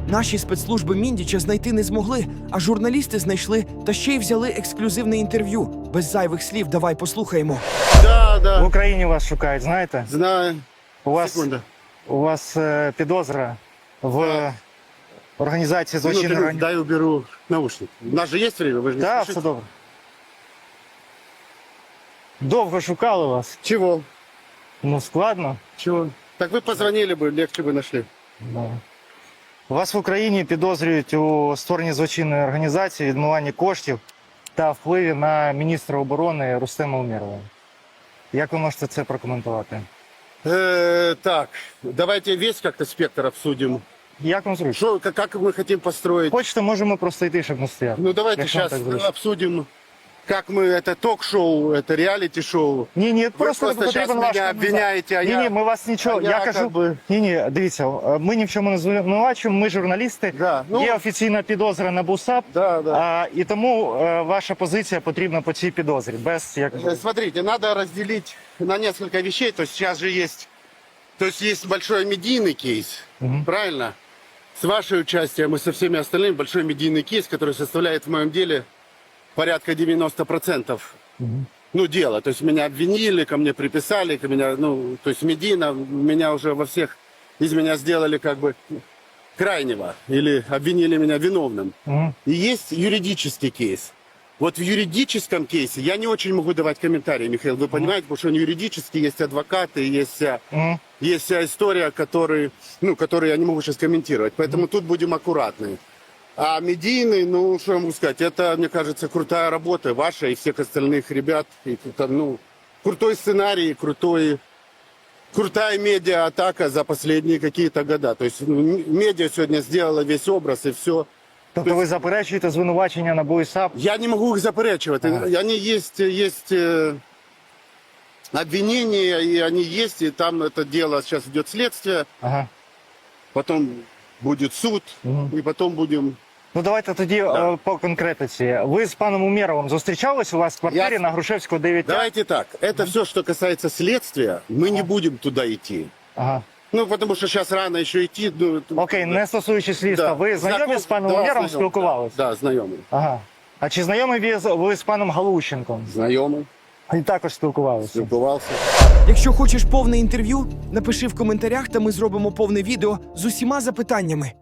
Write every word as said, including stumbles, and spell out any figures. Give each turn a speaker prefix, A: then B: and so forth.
A: Наші спецслужби Міндіча знайти не змогли, а журналісти знайшли та ще й взяли ексклюзивне інтерв'ю. Без зайвих слів давай послухаємо.
B: Да, да.
C: В Україні вас шукають, знаєте?
B: Знаю.
C: У вас,
B: Секунда.
C: у вас е, підозра в організації
B: Минуту,
C: злочинної організації.
B: дай уберу наушник. У нас же есть время, вы же не
C: Так,
B: спешите?
C: все добре. Довго шукали вас.
B: Чего?
C: Ну, складно.
B: Чего? Так вы позвонили бы, легче бы нашли.
C: Да. Вас в Україні підозрюють у створенні злочинної організації, відмиванні коштів та впливі на міністра оборони Рустема Умєрова. Як ви можете це прокоментувати?
B: Э, так, давайте весь как-то спектр обсудим.
C: Як вам зручно?
B: Что, как, как мы хотим построить?
C: Хочете, можемо просто йти, щоб не стояти.
B: Ну давайте
C: Якщо вам
B: сейчас
C: так зручно.
B: обсудим, как мы, это ток-шоу, это реалити-шоу.
C: Ні, ні, просто,
B: просто
C: не
B: щас
C: потрібен ваш
B: мене
C: коментар.
B: обвиняєте, а
C: ні,
B: я-
C: ні, ми вас нічого.
B: а
C: я,
B: я
C: кажу,
B: как би-
C: ні, ні, дивіться, ми ні в чому не звинувачуємо, ми журналісти.
B: Да, ну-
C: Є офіційна підозра на БУСАП,
B: Да, да.
C: а, і тому е, ваша позиція потрібна по цій підозрі. Без як
B: Э, Смотрите, надо разделить на несколько вещей. То есть сейчас же есть, то есть есть большой медийный кейс, правильно? С вашей участием и со всеми остальными большой медийный кейс, который составляет в моем деле порядка девяносто процентов. Ну, дело. То есть меня обвинили, ко мне приписали, ко меня, ну, то есть медийно меня уже во всех, из меня сделали как бы крайнего. Или обвинили меня виновным.
C: Мгм.
B: И есть юридический кейс. Вот в юридическом кейсе я не очень могу давать комментарии, Михаил, вы понимаете, потому что он юридический, есть адвокаты, есть вся,
C: Мгм.
B: есть вся история, который, ну, которую я не могу сейчас комментировать. Поэтому тут будем аккуратны. А медийный, ну, что я могу сказать, это, мне кажется, крутая работа ваша и всех остальных ребят. И, там, ну, крутой сценарий, крутой, крутая медиа-атака за последние какие-то года. То есть ну, м- медиа сегодня сделала весь образ и все.
C: Тобто ви заперечуєте звинувачення на БУСАП?
B: Я не могу их заперечивать.
C: Ага.
B: Они есть, есть э, обвинения, и они есть, и там это дело, сейчас идет следствие,
C: Ага.
B: потом будет суд,
C: Мгм.
B: и потом будем...
C: Ну давайте тоді
B: Да.
C: е, по конкретиці. Ви з паном Умєровим зустрічались у вас в квартирі
B: Я-
C: на Грушевського дев'ять?
B: Давайте так, это все, что касается следствия, мы не будем туда идти.
C: Ага.
B: Ну, потому что сейчас рано еще идти. Ну,
C: Окей, не стосуючись слідства.
B: да.
C: Ви знайомі
B: Знаком-
C: з паном
B: да,
C: Умєровим,
B: знайомий,
C: спілкувалися?
B: Да, да, знайомий.
C: Ага. А чи знайомі ви з, ви з паном Галущенком?
B: Знайомий,
C: І також спілкувалися?
B: спілкувався.
A: Якщо хочеш повне інтерв'ю, напиши в коментарях, та ми зробимо повне відео з усіма запитаннями.